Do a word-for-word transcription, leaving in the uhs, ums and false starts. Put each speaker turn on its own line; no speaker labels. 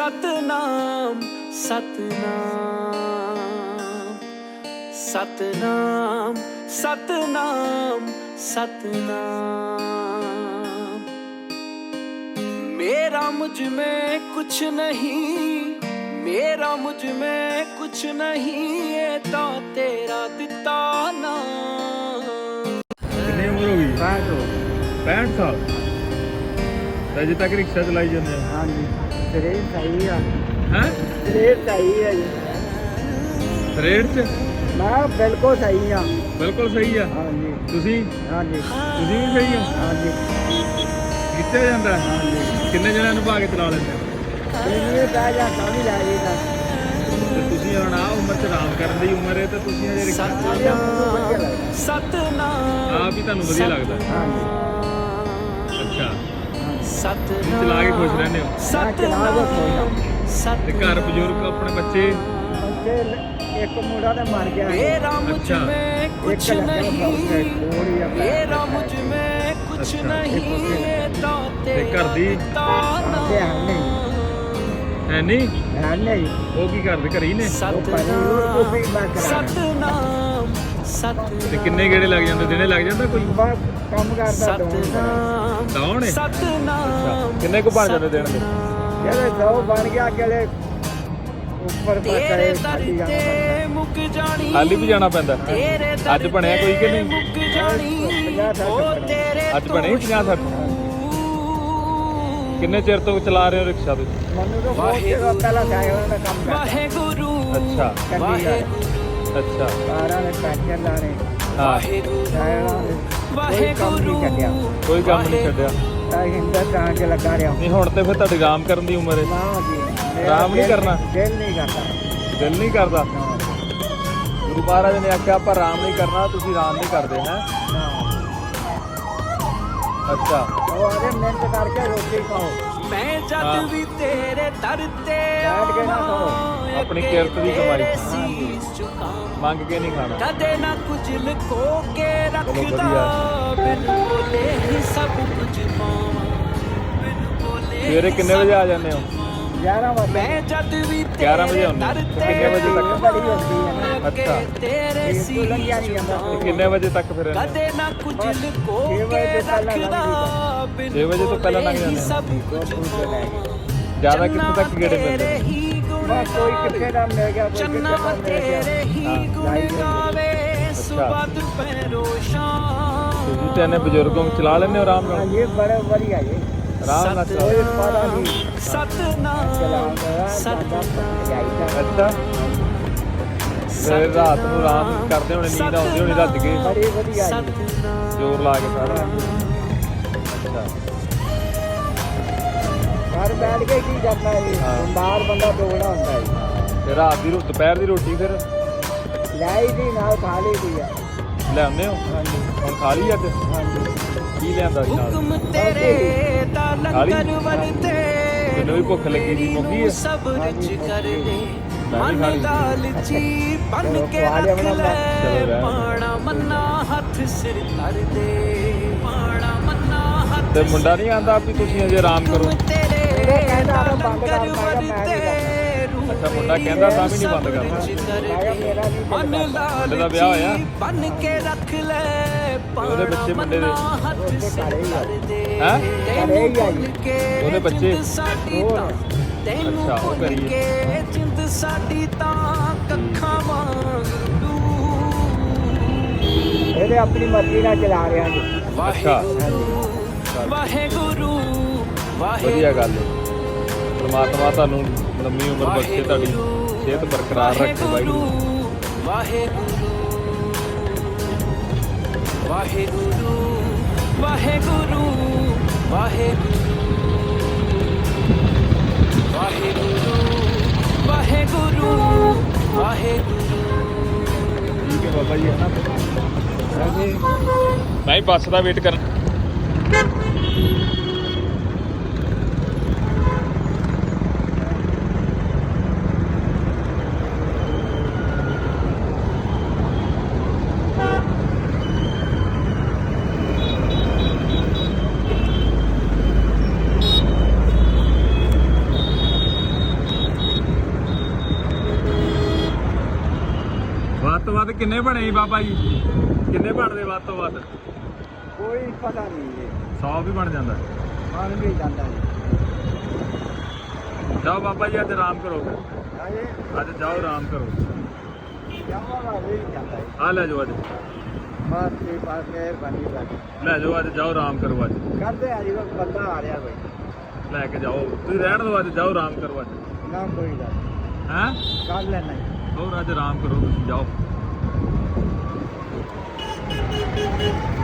सतनाम सतनाम सतनाम सतनाम सतनाम। मेरा मुझ में कुछ नहीं, मेरा मुझ में कुछ नहीं, ये तो तेरा दिता नाम।
कितनी उम्र हो गई? पैंठ साल। अजे तक रिक्शा चलाई जाते हैं?
हाँ जी, रेट सही है।
हैं?
रेट सही है जी।
रेट च
मैं बिल्कुल सही हाँ।
बिल्कुल सही है।
हाँ जी।
तुसी
हाँ जी।
तुसी भी सही हो?
हाँ जी।
कितने जाता है?
हाँ जी।
किन्ने जने नु भागे चला लेंगे?
ये पै जाता नहीं जाएगा।
ਤੇ ਤੁਸੀਂ ਹੁਣ ਆ ਉਮਰ ਚ ਆਰਾਮ ਕਰਨ ਦੀ ਉਮਰ ਹੈ ਤੇ ਤੁਸੀਂ ਹਜੇ ਰਿਕਸ਼ਾ
सतनाम
ਆਪ ਹੀ ਤੁਹਾਨੂੰ ਵਧੀਆ ਲੱਗਦਾ?
हाँ जी।
ਅੱਛਾ,
सतनाम
ਚਲਾ ਕੇ ਖੁਸ਼ ਰਹਿੰਦੇ ਹੋ?
सतनाम
ਤੇ ਘਰ ਬਜ਼ੁਰਗ ਆਪਣੇ ਬੱਚੇ?
बच्चे एक मुंडा ने मार गया।
मेरा मुझ
अच्छा।
में कुछ
एक लड़का
नहीं,
और ही अपना
मेरा मुझ में कुछ
अच्छा।
नहीं, ये तो
ਤੇ ਘਰ ਦੀ
तेरा
आते हैं नहीं,
ਹੈ ਨਹੀਂ?
है नहीं।
ਉਹ ਕੀ ਕਰਦੇ? ਘਰੇ ਹੀ ਨੇ?
वो परिवार को भी मैं करा।
सतनाम
ਤੇ
सतनाम
ਕਿੰਨੇ ਗੇੜੇ ਲੱਗ ਜਾਂਦੇ? ਦਿਨੇ ਲੱਗ ਜਾਂਦਾ ਕੋਈ?
बस कम करता दो।
सतनाम
ਦੌਣ ਹੈ?
सतनाम
ਕਿੰਨੇ ਕੁ ਬਣ ਜਾਂਦੇ ਦਿਨ ਦੇ?
चले दो बन गया अकेले ऊपर पर
तेरे
करे
दर
खाली
ते
जाना
मुक जानी,
ਹਾਲੀ ਵੀ ਜਾਣਾ ਪੈਂਦਾ?
तेरे
ਅੱਜ ਬਣਿਆ ਕੋਈ ਕਿ ਨਹੀਂ?
मुक जानी,
पचास
ओ
साठ
तेरे
ਅੱਜ ਬਣੇ ਪੰਜਾਹ ਸੱਠ? ਕਿੰਨੇ ਚਿਰ ਤੋਂ ਚਲਾ ਰਹੇ ਹੋ ਰਿਕਸ਼ਾ ਤੁਸੀਂ?
मनु तो बहुत देर पहला साइकिल में काम करता।
वाहे गुरु
ਅੱਛਾ
वाहे
ਅੱਛਾ
कारा ने पैंचर लाने
ਹਾਂ,
वाहे गुरु
साइकिलों ने
वाहे
कोई काम
गुरु
नहीं कटिया।
ਕੋਈ ਕੰਮ ਨਹੀਂ ਛੱਡਿਆ।
हिंदुस्तान के लगा रहा हूँ।
ਨਹੀਂ ਹੁਣ ਤੇ ਫਿਰ ਤੁਹਾਡੀ ਆਰਾਮ ਕਰਨ ਦੀ ਉਮਰ ਹੈ।
ना जी, मेरा
आराम नहीं
दिल-
करना?
दिल नहीं करता।
ਦਿਲ ਨਹੀਂ ਕਰਦਾ?
ना,
ਗੁਰੂ ਮਹਾਰਾਜ ਨੇ ਆਖਿਆ ਆਪਾਂ ਆਰਾਮ ਨਹੀਂ ਕਰਨਾ, ਤੁਸੀਂ ਆਰਾਮ ਨਹੀਂ ਕਰਦੇ ਹੈ?
ना।
ਅੱਛਾ,
तो अरे मेहनत करके रोटी खाओ।
मैं
हाँ।
जद भी तेरे दर ते
बैठ के ना खाओ।
अपनी किरत दी कमाई।
तेरे शीश झुकाऊं,
ਮੰਗ ਕੇ ਨਹੀਂ ਖਾਣਾ।
कदे ना कुछ लुको के रखदा,
बढ़िया।
बिन बोले ही सब कुछ पावां, बिन बोले
ਸਵੇਰੇ
ही
ਕਿੰਨੇ
सब
ਵਜੇ ਆ ਜਾਂਦੇ ਹੋ?
ग्यारह बजे
मैं जद भी
ग्यारह बजे
तेरे
होने।
दर
तो
ते
कितने बजे तक?
बड़ी होती है ना।
अच्छा।
तेरे
ये तो
शीश
लग जानी है,
ਤੇ
झुकाऊं,
ਕਿੰਨੇ ਵਜੇ ਤੱਕ ਫਿਰ ਰਹਿੰਦੇ?
कदे ना कुछ
बस
लुको
छह
के
बजे से पहले
रखदा,
लग
बिन
छह बजे तो पहले लग
बोले ही
जाते हैं।
सब
दो
कुछ
फूल से
पावां,
ਜ਼ਿਆਦਾ ਕਿੱਥੇ ਤੱਕ ਗੇੜੇ ਮਿਲਦੇ?
बस कोई कितने दाम ले गया, कोई
चन्ना
कितने दाम ले गया।
तेरे ही
हाँ।
गुण गावे, सुबह दोपहरों शाम।
ਤੁਸੀਂ ਤੇ ਇਹਨੇ ਬਜ਼ੁਰਗੋਂ ਨੂੰ ਚਲਾ ਲੈਂਦੇ ਹੋ ਆਰਾਮ
हाँ,
ਨਾਲ?
ये बड़े बढ़िया ये
ਆਰਾਮ ਨਾਲ ਚਲਾ।
कोई पता नहीं
सतनाम
चला गया, ज्यादा जाएगा।
ਅੱਛਾ, ਫਿਰ ਰਾਤ ਨੂੰ ਆਰਾਮ ਕਰਦੇ ਹੋਣੇ, ਨੀਂਦ ਆਉਂਦੀ ਹੋਣੀ ਰੱਜ ਕੇ
बड़ी बढ़िया ये।
सतनाम
ਜ਼ੋਰ ਲਾ ਕੇ ਸਾਰਾ? ਅੱਛਾ,
घर बैठ के की करना है,
हाँ।
बाहर बंदा दौड़ा होता है।
ਤੇ ਰਾਤ ਦੀ ਰੋਟੀ, ਦੁਪਹਿਰ ਦੀ ਰੋਟੀ ਫਿਰ
लाई थी ना खा ली थी।
ਲਿਆਉਂਦੇ ਹੋ?
हाँ जी,
ਹੁਣ ਖਾ ਲਈ ਅੱਜ?
हाँ जी।
ਕੀ ਲਿਆਂਦਾ ਸੀ ਨਾਲ?
हुक्म तेरे दा
खाली?
लंगर वरते,
ਮੈਨੂੰ ਵੀ ਭੁੱਖ ਲੱਗੀ ਸੀ, ਮੁੱਕੀ ਹੈ?
सब रिच कर दे,
मैं भी
मन
खा ली।
लालची बन
चलो,
के
खवा लिया
रख
बना
ले,
चलो, रहने दो।
पाना मन्ना हथ सिर कर दे, पाना मन्ना हथ
ਤੇ ਮੁੰਡਾ ਨਹੀਂ ਆਂਦਾ ਵੀ ਤੁਸੀਂ ਅਜੇ ਆਰਾਮ ਕਰੋ?
हुक्म तेरे
मुंडा कहता
दा
है बंद
लंगर
कर, मैं कहा मैं नहीं
वरते,
ਅੱਛਾ, ਮੁੰਡਾ ਕਹਿੰਦਾ ਤਾਂ ਵੀ ਨਹੀਂ ਬੰਦ ਕਰਨਾ।
रिच कर
मैं कहा
दे,
मेरा नहीं
मन
चलता।
ਮੁੰਡੇ ਦਾ ਵਿਆਹ ਹੋਇਆ?
लालची बन के रख ले,
ਉਹਦੇ ਬੱਚੇ ਮੁੰਡੇ ਦੇ?
पाना हथ
ਉਹਦੇ
सिर
ਘਰੇ ਹੀ ਆ।
कर दे,
ਹੈਂ?
ਘਰੇ ਹੀ ਆ ਜੀ।
ਉਹਦੇ
ਬੱਚੇ?
ਹੋਰ।
ਤੈਨੂੰ
ਅੱਛਾ, ਉਹ
ਭੁੱਲ
ਕਰੀਏ।
ਕੇ ਜਿੰਦ ਸਾਡੀ ਤਾਂ ਕੱਖਾਂ ਵਾਂਗ ਡੂ।
ਇਹਦੇ ਆਪਣੀ ਮਰਜ਼ੀ ਨਾਲ ਚਲਾ ਰਿਹਾ ਜੀ।
ਵਾਹਿਗੁਰੂ ਵਾਹਿਗੁਰੂ
ਵਧੀਆ ਗੱਲ ਹੈ। ਪਰਮਾਤਮਾ ਤੁਹਾਨੂੰ ਲੰਮੀ ਉਮਰ ਬਖਸ਼ੇ, ਤੁਹਾਡੀ ਸਿਹਤ ਬਰਕਰਾਰ ਰੱਖੇ ਵਾਹਿਗੁਰੂ।
ਵਾਹਿਗੁਰੂ ਵਾਹਿਗੁਰੂ ਵਾਹਿਗੁਰੂ ਵਾਹਿਗੁਰੂ ਵਾਹਿਗੁਰੂ ਵਾਹਿਗੁਰੂ ਵਾਹਿਗੁਰੂ।
ਠੀਕ ਹੈ ਬਾਬਾ ਜੀ, ਹੈ ਨਾ? ਮੈਂ ਹੀ ਬੱਸ ਦਾ ਵੇਟ ਕਰਨ। ਵੱਧ ਤੋਂ ਵੱਧ ਕਿੰਨੇ ਬਣੇ ਸੀ ਬਾਬਾ ਜੀ? ਕਿੰਨੇ ਬਣਦੇ ਵੱਧ ਤੋਂ ਵੱਧ?
ਕੋਈ ਪਤਾ ਨਹੀਂ ਜੀ,
ਸੌ ਵੀ ਬਣ ਜਾਂਦਾ।
ਬਣ ਵੀ ਜਾਂਦਾ ਜੀ।
ਜਾਓ ਬਾਬਾ ਜੀ, ਅੱਜ ਆਰਾਮ ਕਰੋ ਫਿਰ।
ਆਏ
ਅੱਜ ਜਾਓ ਆਰਾਮ ਕਰੋ।
ਜਾਵਾਂਗਾ ਵੀ ਜਾਂਦਾ ਜੀ।
ਆ ਲੈ ਜਾਓ ਅੱਜ,
ਬਸ ਜੀ, ਬਸ ਮਿਹਰਬਾਨੀ ਤੁਹਾਡੀ।
ਲੈ ਜਾਓ ਅੱਜ, ਜਾਓ ਆਰਾਮ ਕਰੋ ਅੱਜ।
ਕਰਦੇ ਆ ਜੀ, ਬਸ ਬੰਦਾ ਆ ਰਿਹਾ ਕੋਈ।
ਲੈ ਕੇ ਜਾਓ, ਤੁਸੀਂ ਰਹਿਣ ਦਿਓ ਅੱਜ, ਜਾਓ ਆਰਾਮ ਕਰੋ ਅੱਜ।
ਨਾ ਕੋਈ ਗੱਲ
ਹੈਂ
ਕਰ ਲੈਣਾ ਜੀ।
ਹੋਰ ਅੱਜ ਆਰਾਮ ਕਰੋ ਤੁਸੀਂ, ਜਾਓ।